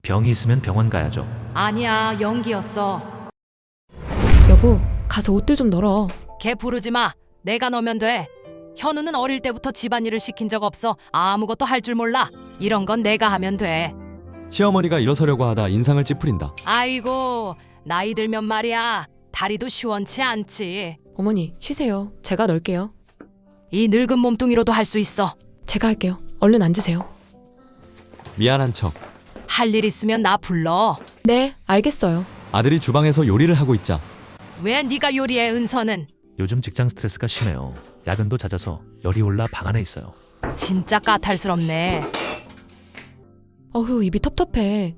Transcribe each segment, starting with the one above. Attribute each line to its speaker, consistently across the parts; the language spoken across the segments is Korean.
Speaker 1: 병이 있으면 병원 가야죠.
Speaker 2: 아니야, 연기였어.
Speaker 3: 여보, 가서 옷들 좀 널어.
Speaker 2: 걔 부르지 마. 내가 넣으면 돼. 현우는 어릴 때부터 집안일을 시킨 적 없어. 아무것도 할 줄 몰라. 이런 건 내가 하면 돼.
Speaker 4: 시어머니가 일어서려고 하다 인상을 찌푸린다.
Speaker 2: 아이고, 나이 들면 말이야. 다리도 시원치 않지.
Speaker 3: 어머니, 쉬세요. 제가 널게요.
Speaker 2: 이 늙은 몸뚱이로도 할 수 있어.
Speaker 3: 제가 할게요. 얼른 앉으세요.
Speaker 4: 미안한 척.
Speaker 2: 할 일 있으면 나 불러.
Speaker 3: 네, 알겠어요.
Speaker 4: 아들이 주방에서 요리를 하고 있자
Speaker 2: 왜 네가 요리해, 은서는?
Speaker 1: 요즘 직장 스트레스가 심해요. 야근도 잦아서 열이 올라 방 안에 있어요.
Speaker 2: 진짜 까탈스럽네.
Speaker 3: 어휴, 입이 텁텁해.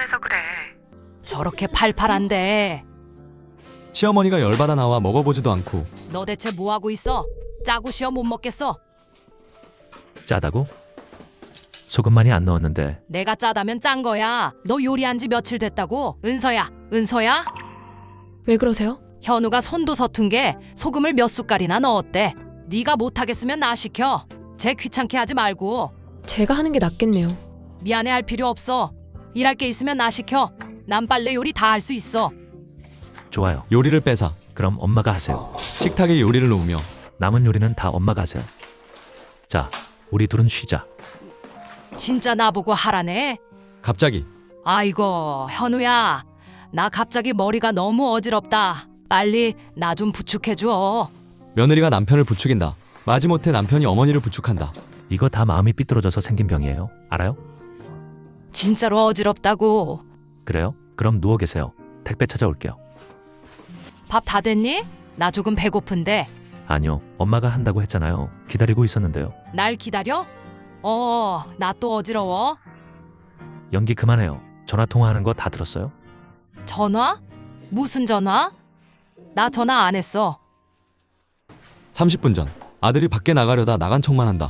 Speaker 2: 저렇게 팔팔한데.
Speaker 4: 시어머니가 열받아 나와 먹어보지도 않고
Speaker 2: 너 대체 뭐하고 있어? 짜고 쉬어 못 먹겠어.
Speaker 1: 짜다고? 소금 많이 안 넣었는데.
Speaker 2: 내가 짜다면 짠 거야. 너 요리한 지 며칠 됐다고? 은서야, 은서야?
Speaker 3: 왜 그러세요?
Speaker 2: 현우가 손도 서툰 게 소금을 몇 숟갈이나 넣었대. 네가 못하겠으면 나 시켜. 쟤 귀찮게 하지 말고.
Speaker 3: 제가 하는 게 낫겠네요.
Speaker 2: 미안해할 필요 없어. 일할 게 있으면 나 시켜. 난 빨래 요리 다 할 수 있어.
Speaker 1: 좋아요.
Speaker 4: 요리를 빼사
Speaker 1: 그럼 엄마가 하세요.
Speaker 4: 식탁에 요리를 놓으며
Speaker 1: 남은 요리는 다 엄마가 하세요. 자, 우리 둘은 쉬자.
Speaker 2: 진짜 나보고 하라네.
Speaker 4: 갑자기
Speaker 2: 아이고, 현우야. 나 갑자기 머리가 너무 어지럽다. 빨리 나 좀 부축해줘.
Speaker 4: 며느리가 남편을 부추긴다. 마지못해 남편이 어머니를 부축한다.
Speaker 1: 이거 다 마음이 삐뚤어져서 생긴 병이에요. 알아요?
Speaker 2: 진짜로 어지럽다고.
Speaker 1: 그래요? 그럼 누워 계세요. 택배 찾아올게요.
Speaker 2: 밥 다 됐니? 나 조금 배고픈데.
Speaker 1: 아니요. 엄마가 한다고 했잖아요. 기다리고 있었는데요.
Speaker 2: 날 기다려? 나 또 어지러워.
Speaker 1: 연기 그만해요. 전화 통화하는 거 다 들었어요?
Speaker 2: 전화? 무슨 전화? 나 전화 안 했어.
Speaker 4: 30분 전 아들이 밖에 나가려다 나간 척만 한다.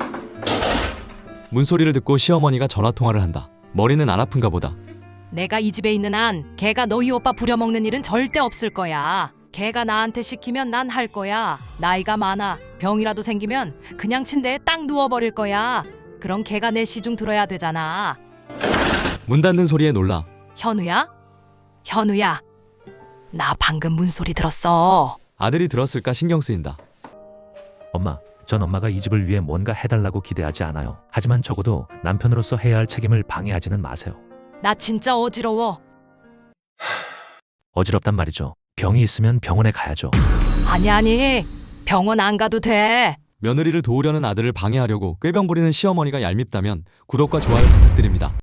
Speaker 4: 문소리를 듣고 시어머니가 전화통화를 한다. 머리는 안 아픈가 보다.
Speaker 2: 내가 이 집에 있는 한 걔가 너희 오빠 부려먹는 일은 절대 없을 거야. 걔가 나한테 시키면 난 할 거야. 나이가 많아. 병이라도 생기면 그냥 침대에 딱 누워버릴 거야. 그럼 걔가 내 시중 들어야 되잖아.
Speaker 4: 문 닫는 소리에 놀라
Speaker 2: 현우야? 현우야. 나 방금 문소리 들었어.
Speaker 4: 아들이 들었을까 신경 쓰인다.
Speaker 1: 엄마, 전 엄마가 이 집을 위해 뭔가 해달라고 기대하지 않아요. 하지만 적어도 남편으로서 해야 할 책임을 방해하지는 마세요.
Speaker 2: 나 진짜 어지러워.
Speaker 1: 어지럽단 말이죠. 병이 있으면 병원에 가야죠.
Speaker 2: 아니. 병원 안 가도 돼.
Speaker 4: 며느리를 도우려는 아들을 방해하려고 꾀병 부리는 시어머니가 얄밉다면 구독과 좋아요 부탁드립니다.